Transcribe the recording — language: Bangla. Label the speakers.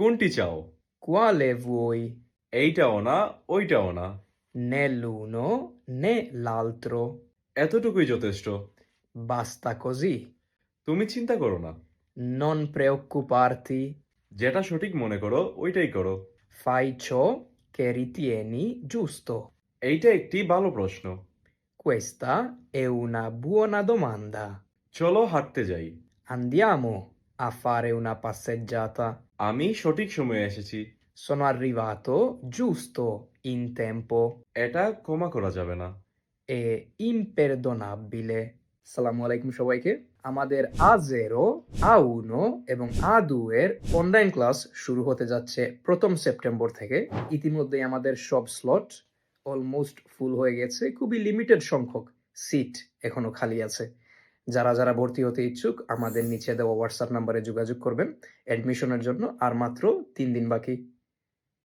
Speaker 1: কোনটি চাও?
Speaker 2: Quale vuoi?
Speaker 1: এইটাও না, ওইটাও না।
Speaker 2: Né l'uno né l'altro.
Speaker 1: এতটুকুই যথেষ্ট।
Speaker 2: Basta così.
Speaker 1: তুমি চিন্তা করো না।
Speaker 2: Non preoccuparti.
Speaker 1: যেটা সঠিক মনে করো, ওইটাই করো।
Speaker 2: Fai ciò che ritieni giusto.
Speaker 1: এইটা একটি ভালো প্রশ্ন।
Speaker 2: Questa è una buona domanda.
Speaker 1: চলো হাঁটতে যাই।
Speaker 2: Andiamo a fare una passeggiata.
Speaker 1: আমি সঠিক সময়ে এসেছি।
Speaker 2: Sono arrivato giusto in tempo.
Speaker 1: এটা ক্ষমা করা যাবে না।
Speaker 2: È imperdonabile. আসসালামু আলাইকুম সবাইকে। আমাদের A0, A1 এবং A2 এর অনলাইন ক্লাস শুরু হতে যাচ্ছে 1ম সেপ্টেম্বর থেকে। ইতিমধ্যেই আমাদের সব স্লট অলমোস্ট ফুল হয়ে গেছে। খুবই লিমিটেড সংখ্যক সিট এখনো খালি আছে। যারা ভর্তি হতে ইচ্ছুক আমাদের নিচে দেওয়া হোয়াটসঅ্যাপ নাম্বারে যোগাযোগ করবেন। অ্যাডমিশনের জন্য আর মাত্র 3 দিন বাকি।